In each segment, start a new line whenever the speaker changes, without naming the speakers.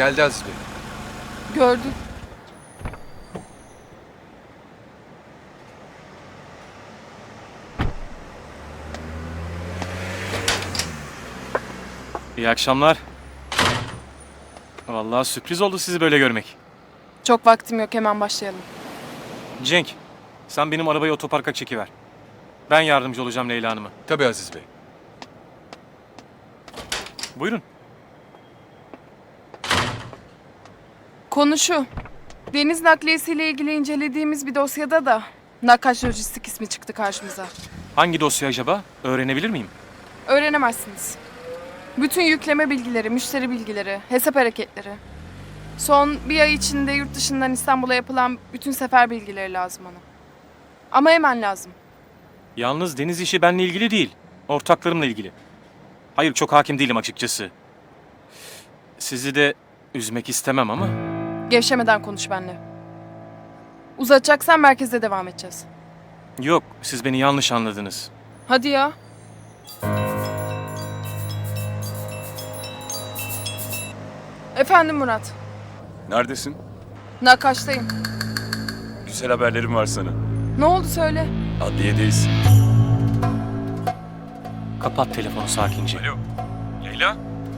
Geldi Aziz Bey.
Gördüm.
İyi akşamlar. Vallahi sürpriz oldu sizi böyle görmek.
Çok vaktim yok, hemen başlayalım.
Cenk, sen benim arabayı otoparka çekiver. Ben yardımcı olacağım Leyla Hanım'a.
Tabii Aziz Bey.
Buyurun.
Konu şu. Deniz nakliyesiyle ilgili incelediğimiz bir dosyada da Nakkaş Lojistik ismi çıktı karşımıza.
Hangi dosya acaba? Öğrenebilir miyim?
Öğrenemezsiniz. Bütün yükleme bilgileri, müşteri bilgileri, hesap hareketleri. Son bir ay içinde yurt dışından İstanbul'a yapılan bütün sefer bilgileri lazım ona. Ama hemen lazım.
Yalnız deniz işi benimle ilgili değil. Ortaklarımla ilgili. Hayır, çok hakim değilim açıkçası. Sizi de üzmek istemem ama...
Gevşemeden konuş benimle. Uzatacaksan merkezde devam edeceğiz.
Yok, siz beni yanlış anladınız.
Hadi ya. Efendim Murat.
Neredesin?
Nakkaş'tayım.
Güzel haberlerim var sana.
Ne oldu söyle.
Adliyedeyiz.
Kapat telefonu sakince.
Alo. Leyla?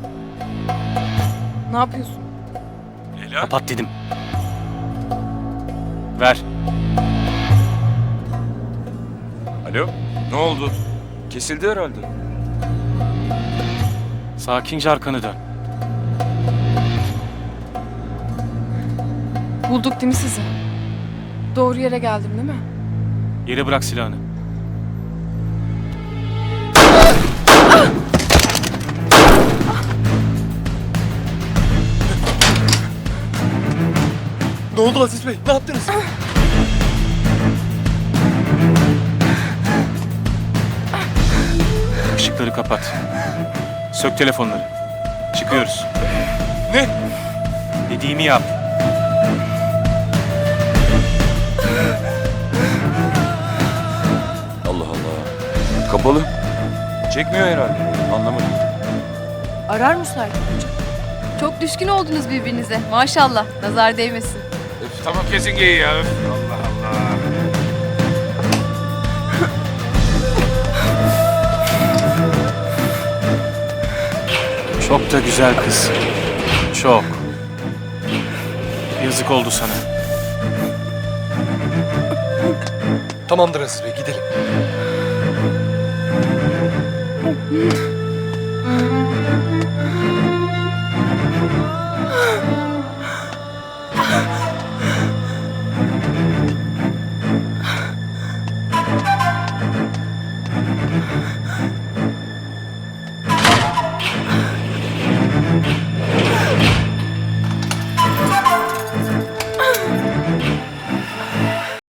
Ne yapıyorsun?
Leyla?
Kapat dedim. Ver.
Alo? Ne oldu? Kesildi herhalde.
Sakince arkanı dön.
Bulduk değil mi sizi? Doğru yere geldim değil mi?
Yere bırak silahını.
Ne oldu Aziz Bey? Ne yaptınız?
Işıkları kapat. Sök telefonları. Çıkıyoruz.
Ne?
Dediğimi yap.
Allah Allah. Kapalı. Çekmiyor herhalde. Anlamadım.
Arar müsait olunca. Çok düşkün oldunuz birbirinize. Maşallah. Nazar değmesin.
Tamam kesin giy ya. Allah Allah.
Çok da güzel kız. Çok. Yazık oldu sana.
Tamamdır Aziz Bey, gidelim.